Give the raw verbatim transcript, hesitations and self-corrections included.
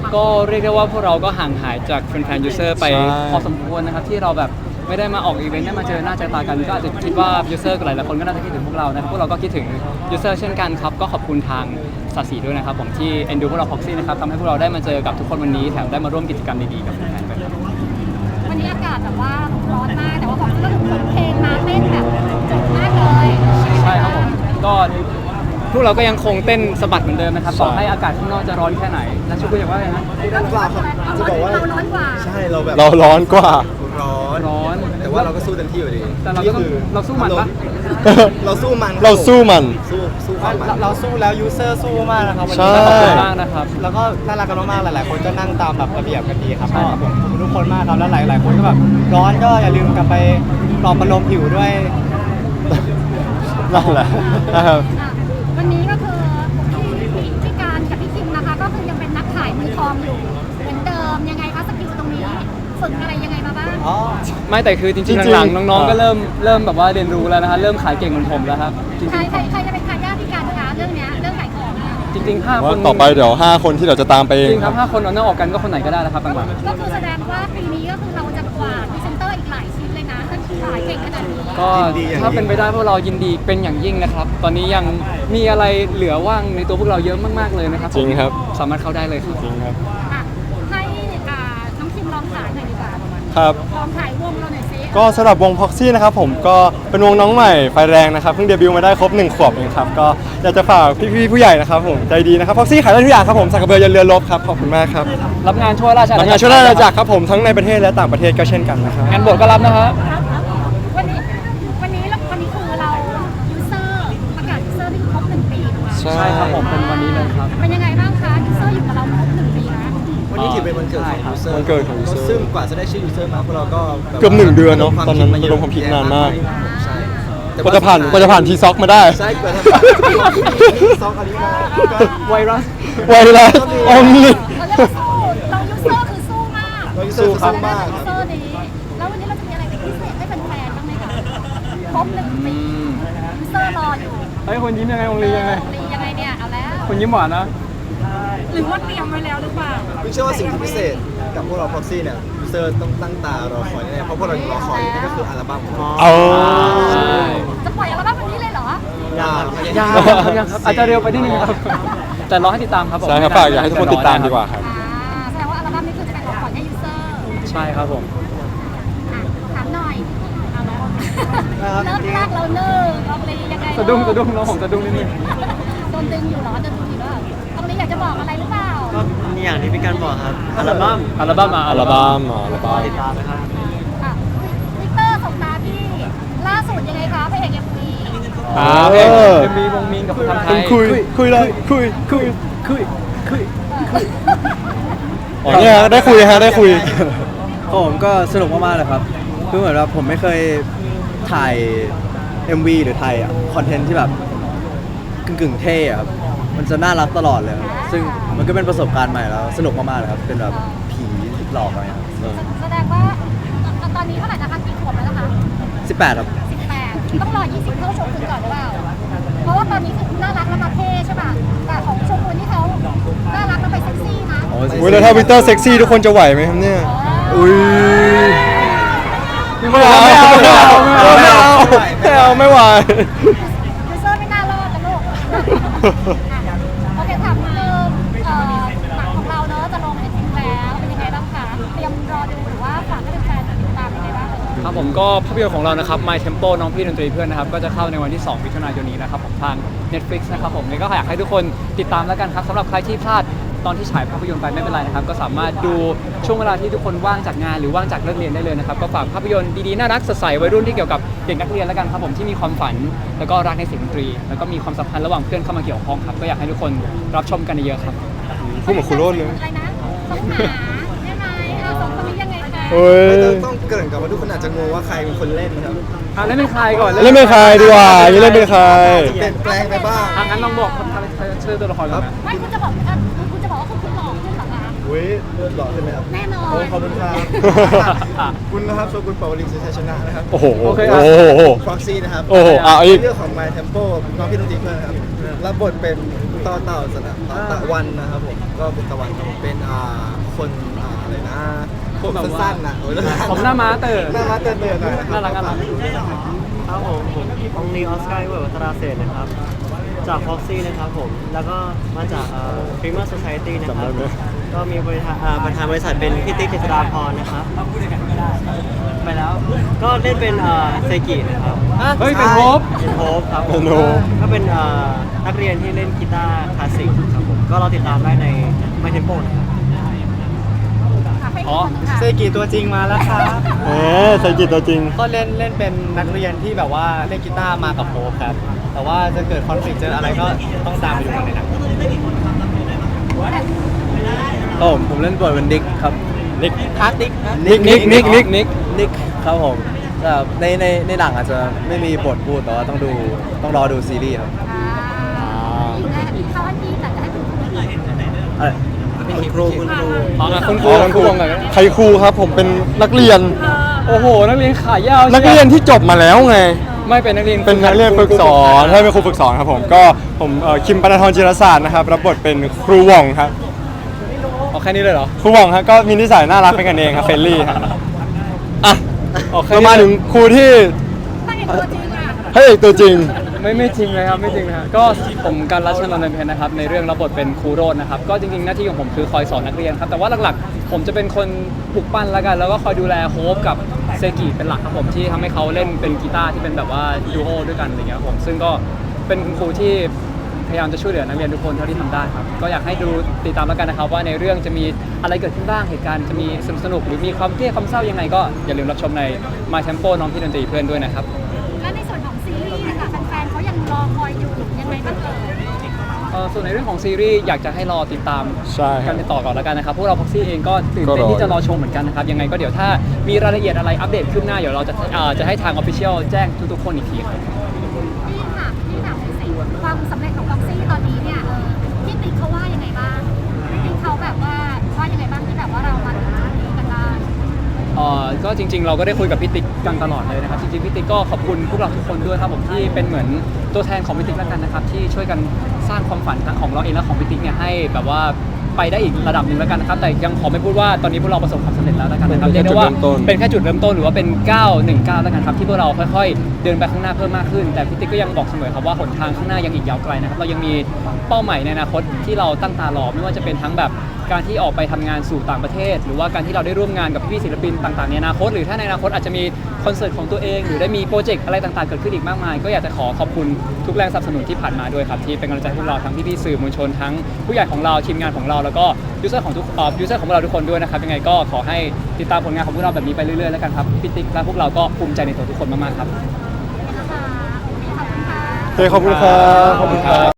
ก็เรียกได้ว่าพวกเราก็ห่างหายจากแฟนๆยูเซอร์ไปพอสมควรนะครับที่เราแบบไม่ได้มาออกอีเวนต์ได้มาเจอหน้าเจอตากันก็อาจจะคิดว่ายูเซอร์หลายๆคนก็น่าจะคิดถึงพวกเรานะครับพวกเราก็คิดถึงยูเซอร์เช่นกันครับก็ขอบคุณทางสาสีด้วยนะครับผมที่เอ็นดูพวกเราพ็อกซี่นะครับทำให้พวกเราได้มาเจอกับทุกคนวันนี้แถมได้มาร่วมกิจกรรมดีๆกับแฟนๆด้วยครับวันนี้อากาศแบบว่าร้อนมากแต่ว่าผมก็ถึงขนเพลงมาเต้นแบบจุกมากเลยใช่ครับผมก็พวกเราก็ยังคงเต้นสะบัดเหมือนเดิมนะครับต่อให้อากาศข้างนอกจะร้อนแค่ไหนแล้วชุกุอย่างว่าไงนะร้อนกว่าจะบอกว่าเราร้อนกว่าใช่เราแบบเราร้อนกว่าร้อนร้อนแต่ว่าเราก็สู้เต็มที่อยู่ดีแต่เราก็ต้องเราสู้มันปะเราสู้มันเราสู้มันสู้สู้ความมันเราสู้แล้วยูเซอร์สู้มากนะครับวันนี้ขอบคุณมากนะครับแล้วก็น่ารักกันมากๆหลายๆคนก็นั่งตามแบบระเบียบกันดีครับก็ขอบคุณทุกคนมากครับแล้วหลายๆคนก็แบบร้อนก็อย่าลืมกลับไปปลอบประโลมผิวด้วยนั่นแหละนะครับวันนี้ก็คือพี่พี่การกับพี่คิมนะคะก็คือยังเป็นนักขายมือทองอยู่เหมือนเดิมยังไงคะสกิลตรงนี้ฝึกอะไรยังไงมาบ้างไม่แต่คือจริงๆหลังๆน้องๆก็เริ่มเริ่มแบบว่าเรียนรู้แล้วนะฮะเริ่มขายเก่งเหมือนผมแล้วครับใครใครใครจะเป็นทายาทพี่การคะเรื่องเนี้ยเรื่องขายของจริงๆห้าคนต่อไปเดี๋ยวห้าคนที่เราจะตามไปเองจริงครับห้าคนเอาหน้าออกกันก็คนไหนก็ได้แล้วครับบางวันก็คือแสดงว่าปีนี้ก็คือเราจะกวาดพรีเซนเตอร์อีกหลายชิ้นเลยนะถ้าขายเก่งขนาดนี้ก็ถ้าเป็นไปได้พวกเรายินดีเป็นอย่างยิ่งนะครับตอนนี้ยังมีอะไรเหลือว่างในตัวพวกเราเยอะมากๆเลยนะครับจริงครับสามารถเข้าได้เลยครับจริงครับให้น้องคิมลองขายหน่อยดีกว่าครับลองขายวงเราหน่อยซิก็สำหรับวงพ็อกซี่นะครับผมก็เป็นวงน้องใหม่ไฟแรงนะครับเพิ่งเดบิวต์มาได้ครบหนึ่งขวบเองครับก็อยากจะฝากพี่ๆผู้ใหญ่นะครับผมใจดีนะครับพ็อกซี่ขายได้ทุกอย่างครับผมสักกระเบือยันเรือรบครับขอบคุณมากครับรับงานช่วยราชอาณาจักรรับงานช่วยราชอาณาจักรครับผมทั้งในประเทศและต่างประเทศก็เช่นกันนะครับงานบทก็รับนะครับวันนี้วันนี้วันนี้คือเรายูเซอร์ประกาศยูเซอร์ที่ครบหนึ่งปีถูกไหมใช่ครับผมเป็นวันนี้เลยครับเป็นยังไงบ้างคะยูเซอร์อยู่กับเราครบหนึ่งปีนะวันนี้ถือเป็นวันเกิดของยูเซอร์วันเกิดของยูเซอร์ซึ่งกว่าจะได้ชื่อยูเซอร์มาพวกเราก็เกือบหนึ่งเดือนเนาะตอนนั้นระดมความคิดนานมากใช่กว่าจะผ่านกว่าจะผ่านทีซ็อกมาได้ใช่กว่าจะผ่านทีซ็อกอันนี้มาไวรัสไวรัสออมนี่เราเรียกว่าสู้เรายูเซอร์คือสู้มากเรายูเซอร์สู้มากยูเซอร์นี้แล้ววันนี้เราจะมีอะไรพิเศษให้แฟนๆบ้างไหมคะครบหนึ่งปียูเซอร์รออยู่เฮ้ยคนยิ้มยังไงองลียังไงองลียังไงเนี่ยเอาแล้วคนยิ้มหวานนะหรือว่าเตรียมไว้แล้วหรือเปล่าพี่เชื่อว่าสิ่งที่พิเศษกับพวกเราพ็อกซี่เนี่ยยูเซอร์ต้องตั้งตารอคอยแน่เพราะพวกเรารอคอยนี่ก็คืออัลบั้มของเราอ๋อจะปล่อยอัลบั้มวันนี้เลยเหรอยังยังยังครับอาจจะเร็วไปนิดนึงครับแต่รอให้ติดตามครับผมใช่ครับฝากอยากให้ทุกคนติดตามดีกว่าครับแสดงว่าอัลบั้มนี้คือจะเป็นของขวัญให้ยูเซอร์ใช่ครับผมถามหน่อยเริ่มแรกเราเนิ่งอองลียังไงสะดุ้งสะดุ้งน้องผมสะดุ้งนิดนึงโดนดึงอยู่เหรอโดนดึงอยู่เหรออองลีอยากจะบอกอะไรหรือเปล่าก็นี่อย่างที่พี่การบอกครับอัลบั้มอัลบั้มอ่ะอัลบั้มอัลบั้มติดตามนะครับวิกเตอร์ส่งมาพี่ล่าสุดยังไงคะพระเอกเอ็มวีอ่าเพลงเอ็มวีวงมีนกับคนทำไทยคุยคุยเลยคุยคุยคุยคุยอ๋อเนี่ยได้คุยฮะได้คุยผมก็สนุกมากๆเลยครับคือเหมือนว่าผมไม่เคยถ่าย เอ็ม วี หรือถ่ายคอนเทนต์ที่แบบกึ่งๆเท่ครับมันจะน่ารักตลอดเลยซึ่งมันก็เป็นประสบการณ์ใหม่แล้วสนุกมากๆเลยครับเป็นแบบผีหลอกอะไรครับแสดงว่าตอนนี้เท่าไหร่นะคะกี่ขวบแล้วนะคะสิบแปดครับสิบแปดต้องรอยี่สิบเข้าชมคุณก่อนหรือเปล่าเพราะว่าตอนนี้คือน่ารักแล้วมาเท่ใช่ป่ะแต่ของชมคุณที่เขาน่ารักแล้วไปเซ็กซี่นะโอ้ยแล้วถ้าวิกเตอร์เซ็กซี่ทุกคนจะไหวไหมครับเนี่ยอุ้ยไม่เอาไม่เอาไม่เอาไม่เอาไม่เอาไม่ไหวยูเซอร์ไม่น่ารอดนะลูกโอเคถามเริ่มหนังของเราเนอะจะลงในจริงแล้วเป็นยังไงบ้างคะเตรียมรอดูหรือว่าฝากให้แฟนๆติดตามยังไงบ้างครับผมก็ภาพยนตร์ของเรานะครับ My Tempo น้องพี่ดนตรีเพื่อนนะครับก็จะเข้าในวันที่สองมิถุนายนนี้นะครับผมทาง Netflix นะครับผมนี่ก็อยากให้ทุกคนติดตามแล้วกันครับสำหรับใครที่พลาดตอนที่ฉายภาพยนตร์ไปไม่เป็นไรนะครับก็สามารถดูช่วงเวลาที่ทุกคนว่างจากงานหรือว่างจากเลิกเรียนได้เลยนะครับก็ฝากภาพยนตร์ดีๆน่ารักสดใสวัยรุ่นที่เกี่ยวกับเด็กนักเรียนแล้วกันครับผมที่มีความฝันแล้วก็รักในเสียงดนตรีแล้วก็มีความสัมพันธ์ระหว่างเพื่อนเข้ามาเกี่ยวข้องครับก็อยากให้ทุกคนรับชมกันเยอะๆครับพูดเหมือนครูโรจน์เลยอะไรนะต้องหาใช่ไหมเราสองคนนี้ยังไงคะต้องเกริ่นกับว่าทุกคนอาจจะงงว่าใครเป็นคนเล่นนะครับอ่ะเล่นเป็นใครก่อนเล่นเป็นใครดีกว่าเล่นเป็นใครเปลี่ยนแปลงไปบ้างอ่ะงั้นลองบอกเชิญตัวละครครับไม่คุณจะบอกคุณจะบอกว่าคุณคุณหล่อขึ้นเหรอคะอุ้ยหล่อขึ้นไหมครับแน่นอนขอบคุณครับคุณนะครับโชกุนปาวลินสุชัยชนะนะครับโอ้โหโอ้โหฟ็อกซี่นะครับโอ้โหอ่ะอีกเรื่องของ My Tempo น้องพี่ดนตรีเพื่อนครับรับบทเป็นต่อเต่าสนะต่อตะวันนะครับผมก็เป็นตะวันครับผมเป็นอ่าคนอ่าอะไรนะผมสั้นๆนะโอ้ยผมหน้าม้าเต๋อหน้าม้าเตือนๆหน่อยะคบน่ารักน่ารักครับผมผมองนีออสการ์เวิร์ดวัฒนาเศรษฐ์นะครับ จากฟ็อกซี่นะครับผม แล้วก็มาจากเอ่อ Premier Society นะครับจำได้ไหมก็มีบริษัทอ่าประธานบริษัทเป็นพี่ติ๊กเจษฎาพรนะครับ ไปแล้ว ก็เล่นเป็นเอ่อเซกินะครับเฮ้ย เป็นโฮปเป็นโฮปครับผเป็มนโฮปก็เป็นเอ่อนักเรียนที่เล่นกีตาร์คลาสสิกครับผม ก็เราติดตามได้ใน My Tempo นะครับอ๋อเซกิตัวจริงมาแล้วครับเอ๊ะใส่จิตตัวจริงก็เล่นเล่นเป็นนักเรียนที่แบบว่าเล่นกีตาร์มากับโฮปครับ แต่ว่าจะเกิดคอนฟ lict เจออะไรก็ต้องตามไปดูกันในหนังโอ้ผมผมเล่นบทเป็นนิกครับนิกคาร์ติกนิกนิกนิกนิกนิกนิกครับผมแต่ในในในหนังอาจจะไม่มีบทพูดแต่ว่าต้องดูต้องรอดูซีรีส์ครับอ่าอีกนะอีกเขาอันนี้แต่จะให้คุณครูอีกอะไรคุณครูคุณครูอ๋ออ่ะคุณครูอ๋อคุณครูวงไหนอยใครครูครับผมเป็นนักเรียนโอ้โห นักเรียนขายาวนักเรียนที่จบมาแล้วไงไม่เป็นนักเรียนเป็นนักเรียนฝึกสอนใช่เป็นครูฝึกสอนครับผมก็ผมเอ่อคิมปนทรจิรศาสตร์นะครับรับบทเป็นครูหว่องครับเอาแค่นี้เลยเหรอครูหว่องครับก็มีนิสัยน่ารักเป็นกันเองครับเฟรนลี่ครับอ่ะโอเคเรามาถึงครูที่ตั้งเอกตัวจริงอ่ะพระเอกตัวจริงไม่ไม่จริงเลยครับไม่จริงนะครับก็ผมการรัชนนท์เพนนะครับในเรื่องรับบทเป็นครูโรจน์นะครับก็จริงๆหน้าที่ของผมคือคอยสอนนักเรียนครับแต่ว่าหลักๆ ผมจะเป็นคนปลุกปั้นแล้วกัน แล้วก็คอยดูแลโฮปกับเซกิเป็นหลักครับผมที่ทำให้เขาเล่นเป็นกีตาร์ที่เป็นแบบว่าดูโอด้วยกันอะไรเงี้ยครับผมซึ่งก็เป็นคุณครูที่พยายามจะช่วยเหลือนักเรียนทุกคนเท่าที่ทำได้ครับก็อยากให้ดูติดตามแล้วกันนะครับว่าในเรื่องจะมีอะไรเกิดขึ้นบ้างเหตุการณ์จะมีสนุกๆหรือมีความเครียดความเศร้ายังไงก็อย่าลืมรับชมใน My Tempo น้องพี่ดนตรีเพื่อนด้วยนะครับและในส่วนของซีรีส์นะคะแฟนๆเขายังรอคอยอยู่ยังไงบ้างเอ่ยเอ่อส่วนในเรื่องของซีรีส์อยากจะให้รอติดตามใช่ครับกันต่อก่อนแล้วกันนะครับพวกเราพ็อกซี่เองก็ตื่นก็เต้รนอที่จะรอชมเหมือนกันนะครับยังไงก็เดี๋ยวถ้ามีรายละเอียดอะไรอัปเดตขึ้นหน้าเดี๋ยวเราจะเอ่อจะให้ทางออฟฟิเชียลแจ้งทุกๆคนอีกทีครับพี่ค่ะพี่ถามหน่อยสิความสำเร็จของบ็อกซี่ตอนนี้เนี่ยเออพี่ติ๊กเขาว่ายังไงบ้างพี่ติ๊กเขาแบบว่าว่ายังไงบ้างที่แบบว่าเรามาถึงจุดนี้กันได้เอ่อก็จริงๆ เราก็ได้คุยกับพี่ติ๊กกันตลอดเลยนะครับจริงๆพี่ติ๊กก็ขอบคุณพวกเราทุกคนด้วยครับผมที่เป็นเหมือนตัวแทนของพี่ติ๊กแล้วกันนะครับที่ช่วยกันสร้างความฝันทั้งของเราเองและของพี่ติ๊กเนี่ยให้แบบว่าไปได้อีกระดับหนึ่งแล้วกันนะครับแต่ยังขอไม่พูดว่าตอนนี้พวกเราประสบความสำเร็จแล้วแล้วกันนะครับเป็นแค่เรียกได้ว่าจุดเริ่มต้นเป็นแค่จุดเริ่มต้นหรือว่าเป็นก้าวหนึ่งก้าวแล้วกันครับที่พวกเราค่อยๆ เดินไปข้างหน้าเพิ่มมากขึ้น แต่พี่ติ๊กก็ยังบอกเสมอครับว่าหนทางข้างหน้ายังอีกยาวไกลนะครับเรายังมีเป้าหมายในอนาคตที่เราตั้งตารอไม่ว่าจะเป็นทั้งแบบการที่ออกไปทำงานสู่ต่างประเทศ หรือว่าการที่เราได้ร่วมงานกับพี่ๆศิลปินต่างๆในอนาคต หรือถ้าในอนาคตอาจจะมีคอนเสิร์ตของตัวเองหรือได้มีโปรเจกต์อะไรต่างๆเกิดขึ้นอีกมากมาย ก็อยากจะขอขอบคุณทุกแรงสนับสนุนที่ผ่านมาด้วยครับที่เป็นกำลังใจให้พวกเราทั้งพี่ๆสื่อมวลชนทั้งผู้ใหญ่ของเราทีมงานของเราแล้วก็ยูเซอร์ของทุกเอ่อยูเซอร์ของพวกเราทุกคนด้วยนะครับยังไงก็ขอให้ติดตามผลงานของพวกเราแบบนี้ไปเรื่อยๆแล้วกันครับพี่ติ๊กและพวกเราก็ภูมิใจในตัวทุกคนมากๆครับนะคะโอเคขอบคุณค่ะโอเคขอบคุณครับขอบคุณครับ